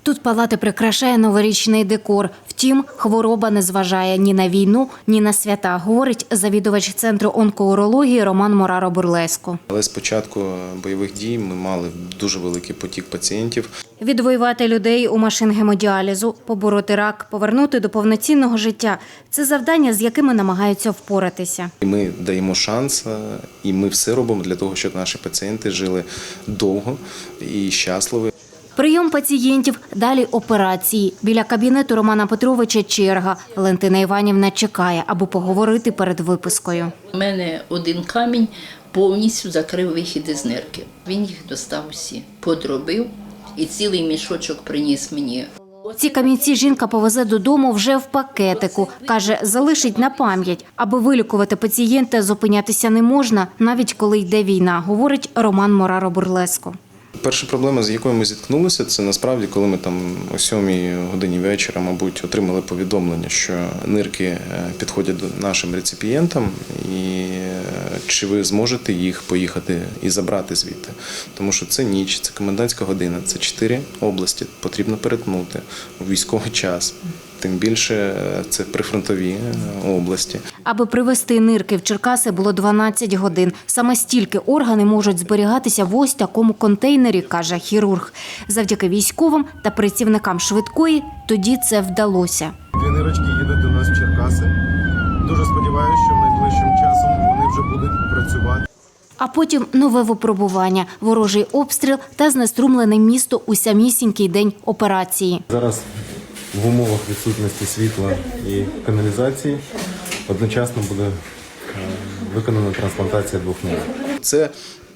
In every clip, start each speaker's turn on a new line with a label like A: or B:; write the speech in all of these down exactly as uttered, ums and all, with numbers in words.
A: Тут палати прикрашає новорічний декор. Втім, хвороба не зважає ні на війну, ні на свята, говорить завідувач Центру онкоурології Роман Мораро-Бурлеско.
B: Але з початку бойових дій ми мали дуже великий потік пацієнтів.
A: Відвоювати людей у машин гемодіалізу, побороти рак, повернути до повноцінного життя – це завдання, з якими намагаються впоратися.
B: Ми даємо шанс, і ми все робимо для того, щоб наші пацієнти жили довго і щасливо.
A: Прийом пацієнтів, далі операції. Біля кабінету Романа Петровича черга. Валентина Іванівна чекає, аби поговорити перед випискою.
C: У мене один камінь повністю закрив вихід із нирки. Він їх достав всі, подробив і цілий мішочок приніс мені.
A: Ці камінці жінка повезе додому вже в пакетику. Каже, залишить на пам'ять. Аби вилікувати пацієнта, зупинятися не можна, навіть коли йде війна, говорить Роман Мораро-Бурлеско.
B: Перша проблема, з якою ми зіткнулися, це насправді, коли ми там о сьомій годині вечора, мабуть, отримали повідомлення, що нирки підходять до нашим реципієнтам, і чи ви зможете їх поїхати і забрати звідти. Тому що це ніч, це комендантська година, це чотири області, потрібно перетнути у військовий час. Тим більше це прифронтові області.
A: Аби привезти нирки в Черкаси, було дванадцять годин. Саме стільки органи можуть зберігатися в ось такому контейнері, каже хірург. Завдяки військовим та працівникам швидкої тоді це вдалося.
D: Дві нирочки їдуть до нас в Черкаси. Дуже сподіваюся, що найближчим часом вони вже будуть працювати.
A: А потім нове випробування, ворожий обстріл та знеструмлене місто у самісінький день операції.
D: Зараз в умовах відсутності світла і каналізації одночасно буде виконана трансплантація двох нирок.
B: Це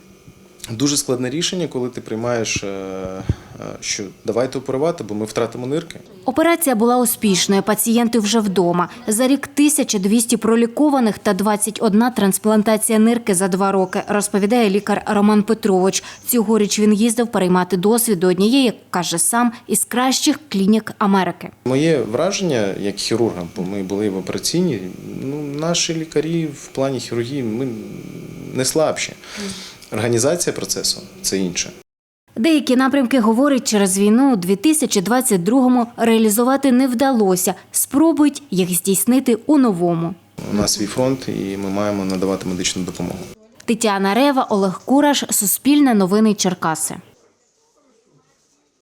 B: дуже складне рішення, коли ти приймаєш, що давайте оперувати, бо ми втратимо нирки.
A: Операція була успішною, пацієнти вже вдома. За рік тисяча двісті пролікованих та двадцять одна трансплантація нирки за два роки, розповідає лікар Роман Петрович. Цьогоріч він їздив переймати досвід до однієї, як каже сам, із кращих клінік Америки.
B: Моє враження як хірурга, бо ми були в операційній, ну, наші лікарі в плані хірургії ми не слабші. Організація процесу – це інше.
A: Деякі напрямки, говорить, через війну у дві тисячі двадцять другому реалізувати не вдалося. Спробують їх здійснити у новому.
B: У нас свій фронт і ми маємо надавати медичну допомогу.
A: Тетяна Рева, Олег Кураш, Суспільне новини Черкаси.